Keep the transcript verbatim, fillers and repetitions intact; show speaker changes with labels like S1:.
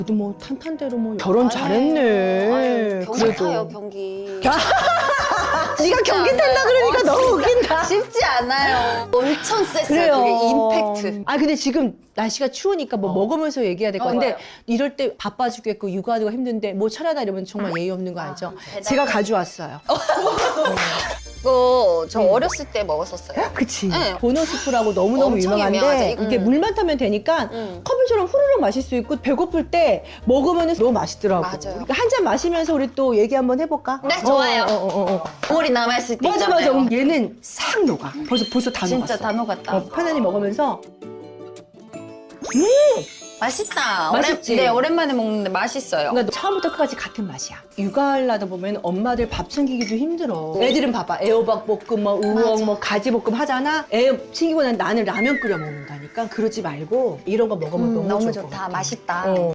S1: 그래도 뭐 탄탄대로 뭐 결혼
S2: 아니,
S1: 잘했네.
S2: 아니, 경기
S1: 그래도.
S2: 타요, 경기.
S1: 네가 경기 탄다 그러니까 너무 웃긴다.
S2: 쉽지 않아요. 엄청 셌어요,
S1: 그래요.
S2: 그게 임팩트.
S1: 아 근데 지금 날씨가 추우니까 뭐
S2: 어.
S1: 먹으면서 얘기해야 될 것
S2: 어,
S1: 같은데
S2: 맞아요.
S1: 이럴 때 바빠 죽겠고 육아하기가 힘든데 뭐 차려다 이러면 정말 예의 없는 거 알죠?
S2: 대단해.
S1: 제가 가져왔어요.
S2: 이거 저
S1: 음.
S2: 어렸을 때 먹었었어요.
S1: 그치.
S2: 네.
S1: 보너스프라고 너무너무
S2: 엄청
S1: 유명한데
S2: 유명하죠. 이거.
S1: 이게
S2: 음.
S1: 물만 타면 되니까
S2: 음.
S1: 커피처럼 후루룩 마실 수 있고 배고플 때 먹으면 너무 맛있더라고.
S2: 맞아요.
S1: 그러니까 한 잔 마시면서 우리 또 얘기 한번 해볼까?
S2: 네, 좋아요.
S1: 어, 어, 어, 어.
S2: 국물이 남아있을 때
S1: 맞아 맞아.
S2: 있잖아요.
S1: 음, 얘는 싹 녹아. 벌써 벌써 다
S2: 진짜
S1: 녹았어.
S2: 다 녹았다.
S1: 어, 편안히 먹으면서
S2: 맛있다.
S1: 맛있지?
S2: 오랜, 네, 오랜만에 먹는데 맛있어요.
S1: 그러니까 처음부터 끝까지 같은 맛이야. 육아하려다 보면 엄마들 밥 챙기기도 힘들어. 애들은 봐봐. 애호박 볶음, 뭐 우엉,
S2: 맞아.
S1: 뭐 가지 볶음 하잖아. 애 챙기고 난 나는 라면 끓여 먹는다니까. 그러지 말고 이런 거 먹으면
S2: 음,
S1: 너무,
S2: 너무
S1: 좋을 것
S2: 좋다.
S1: 같아.
S2: 맛있다.
S1: 어.